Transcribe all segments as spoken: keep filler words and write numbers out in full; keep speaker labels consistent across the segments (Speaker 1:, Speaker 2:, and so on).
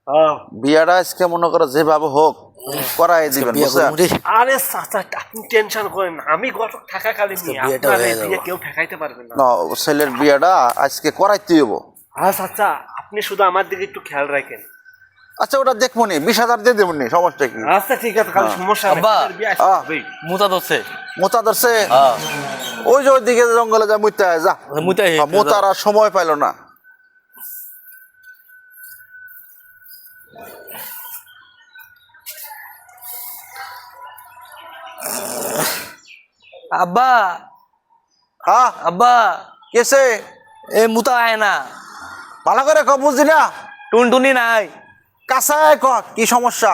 Speaker 1: হ্যাঁ
Speaker 2: বিয়াটা আজকে মনে করো যেভাবে হোক করাই দিবেন বুঝছেন?
Speaker 1: আরে চাচা আপনি টেনশন করেন না, আমি গত থাকাকালীন নিয়ে আপনার এই বিয়ে কেউ ঠেকাইতে পারবে না।
Speaker 2: না ছেলের বিয়াটা আজকে করাইতে হইব।
Speaker 1: হ্যাঁ চাচা আপনি শুধু আমার দিকে একটু খেয়াল রাখেন।
Speaker 2: আচ্ছা ওটা দেখবো নি, বিশ হাজার দিয়ে দেবো নি, সমস্যা কি?
Speaker 1: আচ্ছা ঠিক আছে, খালি সমস্যা নেই।
Speaker 3: আব্বা,
Speaker 1: বিয়ে আসবে
Speaker 3: মুতা ধরছে।
Speaker 2: মোতা ধরছে?
Speaker 3: হ্যাঁ
Speaker 2: ওই যে ওইদিকে জঙ্গলে যা মুইতে আয় যা।
Speaker 3: মুতাই
Speaker 2: মোতার আর সময় পাইল না।
Speaker 3: আব্বা
Speaker 2: হ্যাঁ
Speaker 3: আব্বা
Speaker 2: কেসে?
Speaker 3: এ মুতা আয় না,
Speaker 2: ভালো করে ক, বুঝলি না?
Speaker 3: টুনটুনি নাই।
Speaker 2: কাঁচায় ক কি সমস্যা?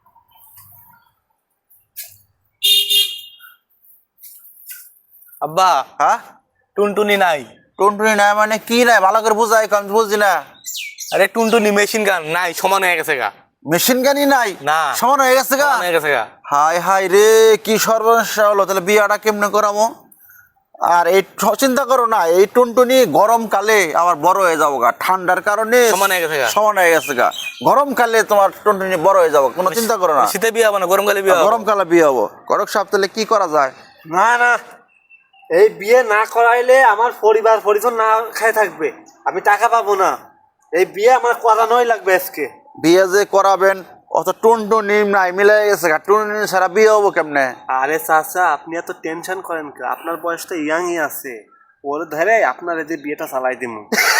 Speaker 3: আব্বা
Speaker 2: হ্যাঁ
Speaker 3: টুনটুনি নাই।
Speaker 2: টুনটুনি নাই মানে কি নাই? ভালো করে বুঝাই, আমি বুঝছি না।
Speaker 3: আরে টুনটুনি মেশিন গান নাই, সমান হয়ে গেছে গা।
Speaker 2: মেশিন গানি নাই?
Speaker 3: না
Speaker 2: সমান হয়ে গেছে গা?
Speaker 3: সমান হয়ে গেছে গা।
Speaker 2: হাই হাই রে, কি সর্বনাশা হলো! তাহলে বিয়াটা কেমনে করামো? আর এই ঠ- চিন্তা করো না, এই টুনটুনি গরমকালে আবার বড় হয়ে যাবো গা, ঠান্ডার কারণে
Speaker 3: সমান হয়ে গেছে গা।
Speaker 2: সমান হয়ে গেছে গা। গরমকালে তোমার টুনটুনি বড় হয়ে যাবো, কোনো চিন্তা করো না।
Speaker 3: শীতে বিয়ে হবো না, গরমকালে বিয়ে হবো।
Speaker 2: গরমকালে বিয়ে হবো। করক সাহেব তাহলে কি করা যায়?
Speaker 1: না না, এই বিয়ে না করাইলে আমার পরিবার পরিজন না খেয়ে থাকবে, আমি টাকা পাবো না। এই বিয়ে আমার করানোই লাগবে আজকে।
Speaker 2: বিয়ে যে করাবেন অত টুনটুনি নাই, মিলে গেছে গা। টুনটুনি ছাড়া বিয়ে হবো কেমনে?
Speaker 1: আরে চাচা আপনি এত টেনশন করেন কে? আপনার বয়সটা ইয়াংই আছে, ওর ধরে আপনার এই যে বিয়েটা চালাই দিব।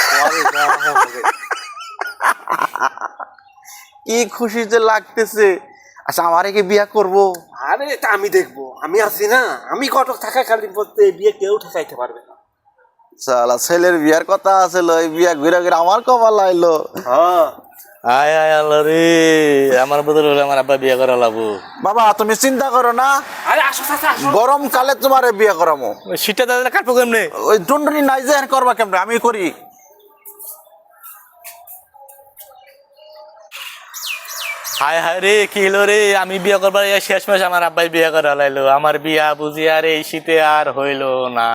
Speaker 2: কি খুশি যে লাগতেছে। আচ্ছা আমারে কি বিয়ে করবো?
Speaker 1: আরে এটা আমি দেখবো, আমি আছি না। আমি কটক থাকাকালীন পর্যন্ত এই বিয়ে কেউ ঠেকাইতে পারবে না।
Speaker 2: সালা ছেলের বিয়ার কথা আছে, এই বিয়া ঘুরে ঘুরে আমার কপাল আইলো।
Speaker 1: হ্যাঁ
Speaker 3: আয় আয় আল্লাহ রে, আমার বদল হলে আমার আব্বা বিয়ে করা লাগবো।
Speaker 2: বাবা তুমি চিন্তা করো না,
Speaker 1: আরে আসো চাচা আসো।
Speaker 2: গরমকালে তোমারে বিয়ে করামো।
Speaker 3: শীতটা দাদা কাটবো কেমনে?
Speaker 2: ওই টুনটুনি নাই যে আর করবা কেমনে? আমি করি।
Speaker 3: হায় হায় রে, কি হলো রে? আমি বিয়ে করবার শেষ মাস আমার আব্বাই বিয়ে করা লাইলো। আমার বিয়া বুঝি আর এই শীতে আর হইলো না।